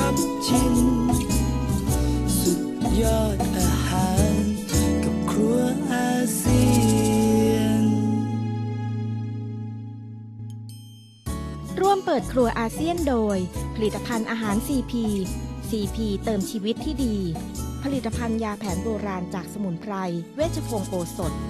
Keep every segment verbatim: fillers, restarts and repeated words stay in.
รับชิมสุดยอดอาหารกับครัวอาเซียนร่วมเปิดครัวอาเซียนโดยผลิตภัณฑ์อาหาร ซี พี ซี พี เติมชีวิตที่ดีผลิตภัณฑ์ยาแผนโบราณจากสมุนไพรเวชพงศ์โอสถ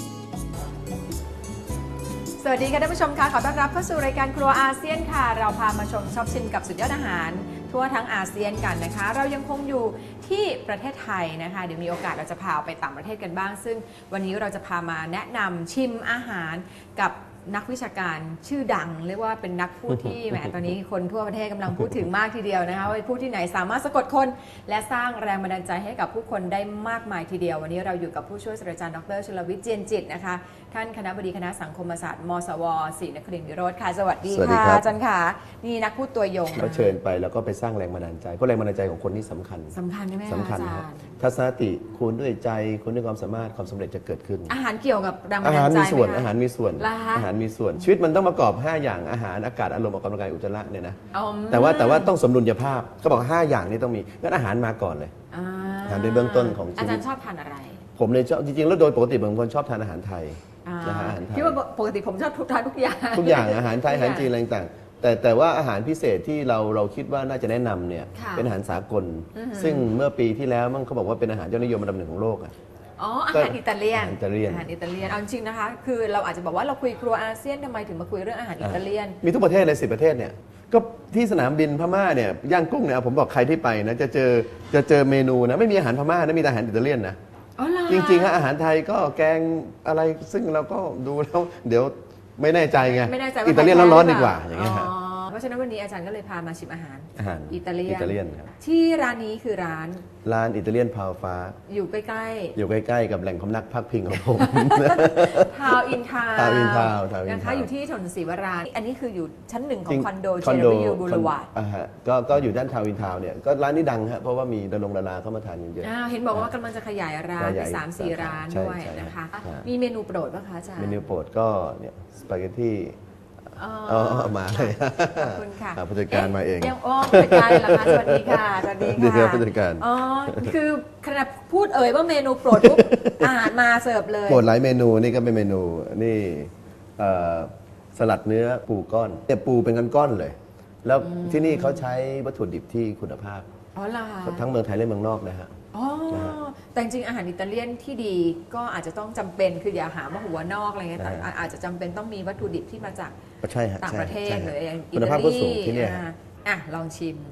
สวัสดีค่ะท่านผู้ชมค่ะขอต้อนรับเข้าสู่รายการครัวอาเซียนค่ะเราพามาชมชอบชิมกับสุดยอดอาหารทั่วทั้งอาเซียนกันนะคะเรายังคงอยู่ที่ประเทศไทยนะคะเดี๋ยวมีโอกาสเราจะพาไปต่างประเทศกันบ้างซึ่งวันนี้เราจะพามาแนะนำชิมอาหารกับนักวิชาการชื่อดังเรียกว่าเป็นนักพูดที่แหมตอนนี้คนทั่วประเทศกำลังพูดถึงมากทีเดียวนะคะว่าพูดที่ไหนสามารถสะกดคนและสร้างแรงบันดาลใจให้กับผู้คนได้มากมายทีเดียววันนี้เราอยู่กับผู้ช่วยศาสตราจารย์ดรชลวิทย์เจียนจิตนะคะท่านคณบดีคณะสังคมศาสตร์มศวศรีนครินทร์วิโรจน์ค่ะสวัสดีค่ะอาจารย์ค่ะนี่นักพูดตัวยงเราเชิญไปแล้วก็ไปสร้างแรงบันดาลใจเพราะแรงบันดาลใจของคนนี่สำคัญสำคัญใช่ไหมสำคัญครับทัศนคติคุณด้วยใจคุณด้วยความสามารถความสำเร็จจะเกิดขึ้นอาหารเกี่ยวกับแรงบันดาลใจอาหารมีส่วนอาหารมีส่วนอาหารมีส่วนชีวิตมันต้องประกอบห้าอย่างอาหารอากาศอารมณ์ออกกำลังกายอุจจาระเนี่ยนะแต่ว่าแต่ว่าต้องสมดุลภาพเขาบอกห้าอย่างนี้ต้องมีงั้นอาหารมาก่อนเลยอาหารเป็นเบื้องต้นของชีวิตอาจารย์ชอบทานอะไรผมเลยชอบจริงๆแล้วโดยปกติบางคนชอบทานอาหารไทยอาหารไทยที่ว่าปกติผมชอบทานทุกอย่างทุกอย่างอาหารไทยอาหารจีนอะไรต่างแต่แต่ว่าอาหารพิเศษที่เราเราคิดว่าน่าจะแนะนำเนี่ยเป็นอาหารสากลซึ่งเมื่อปีที่แล้วมันเขาบอกว่าเป็นอาหารยอดนิยมอันดับหนึ่งของโลกอ่ะอ๋ออาหารอิตาเลียนอาหารอิตาเลียนอาหารอิตาเลียนเอาจริงนะคะคือเราอาจจะบอกว่าเราคุยครัวอาเซียนทำไมถึงมาคุยเรื่องอาหารอิตาเลียนมีทุกประเทศเลยสิบประเทศเนี่ยก็ที่สนามบินพม่าเนี่ยย่างกุ้งเนี่ยผมบอกใครที่ไปนะจะเจอจะเจอเมนูนะไม่มีอาหารพม่านะมีแต่อาหารอิตาเลียนนะจริงๆฮะอาหารไทยก็แกงอะไรซึ่งเราก็ดูแล้วเดี๋ยวไม่แน่ใจไงอิตาเลียนร้อนๆดีกว่าอย่างเงี้ยครับเพราะฉะนั้นวันนี้อาจารย์ก็เลยพามาชิมอาหารอาหารอิตาเลียนอิตาเลียนครับที่ร้านนี้คือร้านร้านอิตาเลียนพาวฟ้าอยู่ใกล้ๆอยู่ใกล้ๆกับแหล่งพำนักพักพิงของผมทาวอินทาวทาวอินทาวนะคะอยู่ที่ถนนศรีวราอันนี้คืออยู่ชั้นหนึ่งของคอนโดเจเนอร์บูลวาร์ดอ่าฮะก็ก็อยู่ด้านทาวอินทาวเนี่ยก็ร้านนี้ดังฮะเพราะว่ามีดารงดาราเข้ามาทานกันเยอะเห็นบอกว่ากำลังจะขยายร้านไปสามสี่ร้านด้วยนะคะมีเมนูโปรดป่ะคะอาจารย์เมนูโปรดก็เนี่ยสปาเกตตี้อ๋อมาเลยขอบคุณค่ะผู้จัดการมาเองยังอ๋อผู้จัดการเหรอคะสวัสดีค่ะสวัสดีค่ะผู้จัดการอ๋อคือขณะพูดเอ่ยว่าเมนูโปรดปุ๊บอาหารมาเสิร์ฟเลยโปรดหลายเมนูนี่ก็เป็นเมนูนี่สลัดเนื้อปูก้อนเนี่ยปูเป็นก้อนๆเลยแล้วที่นี่เขาใช้วัตถุดิบที่คุณภาพอ๋อล่ะทั้งเมืองไทยและเมืองนอกนะฮะอ๋อแต่จริงอาหารอิตาเลียนที่ดีก็อาจจะต้องจำเป็นคืออย่าหาว่าหัวนอกอะไรเงี้ยแต่อาจจะจำเป็นต้องมีวัตถุดิบที่มาจากต่างประเทศหรืออย่างอิตาลีอ่ะลองชิม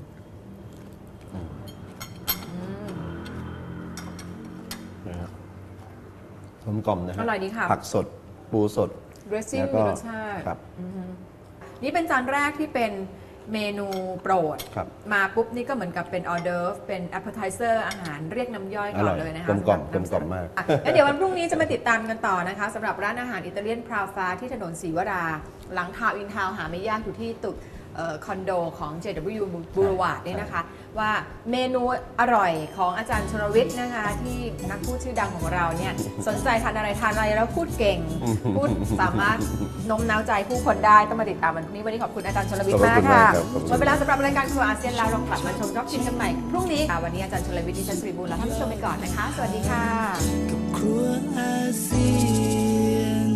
กลมกล่อมนะฮะอร่อยดีค่ะผักสดปูสดเดรสซิ่งมีรสชาตินี่เป็นจานแรกที่เป็นเมนูโปรดมาปุ๊บนี่ก็เหมือนกับเป็นออเดอร์ฟเป็นแอปเปอร์ไทเซอร์อาหารเรียกน้ำย่อยก่อนเลยนะคะกลมกล่อมกลมกล่อมมากแล้วเดี๋ยววันพรุ่งนี้จะมาติดตามกันต่อนะคะสำหรับร้านอาหารอิตาเลียนพราวฟ้าที่ถนนศรีวราหลังทาวน์อินทาวน์หาไม่ยากอยู่ที่ตึกคอนโดของ เจ ดับเบิลยู Boulevard นี่นะคะว่าเมนูอร่อยของอาจารย์ชลวิทย์นะคะที่นักพูดชื่อดังของเราเนี่ยสนใจทานอะไรทานอะไรแล้วพูดเก่งพูดสามารถโน้มน้าวใจผู้คนได้ต้องมาติดตามวันนี้วันนี้ขอบคุณอาจารย์ชลวิทย์มากค่ะหมดเวลาสำหรับรายการครัวอาเซียนแล้วเรากลับมาชมรอบชิมกันใหม่พรุ่งนี้วันนี้อาจารย์ชลวิทย์ดิฉันสุริบูลลาท่านผู้ชมไปก่อนนะคะสวัสดีค่ะกับครัวอาเซียน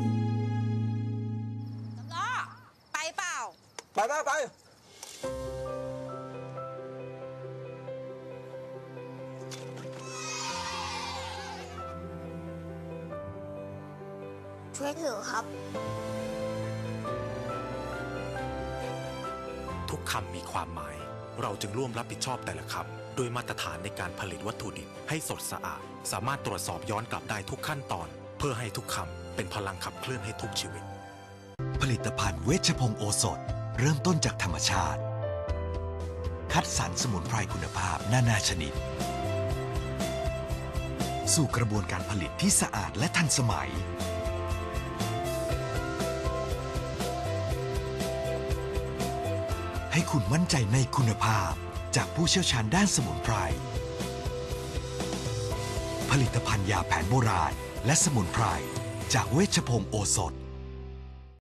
ไปเปล่าไปไปไปช่วยถือครับทุกคำมีความหมายเราจึงร่วมรับผิดชอบแต่ละคำด้วยมาตรฐานในการผลิตวัตถุดิบให้สดสะอาดสามารถตรวจสอบย้อนกลับได้ทุกขั้นตอนเพื่อให้ทุกคำเป็นพลังขับเคลื่อนให้ทุกชีวิตผลิตภัณฑ์เวชพงศ์โอสถเริ่มต้นจากธรรมชาติคัดสรรสมุนไพรคุณภาพนานาชนิดสู่กระบวนการผลิตที่สะอาดและทันสมัยให้คุณมั่นใจในคุณภาพจากผู้เชี่ยวชาญด้านสมุนไพรผลิตภัณฑ์ยาแผนโบราณและสมุนไพรจากเวชพงศ์โอสถ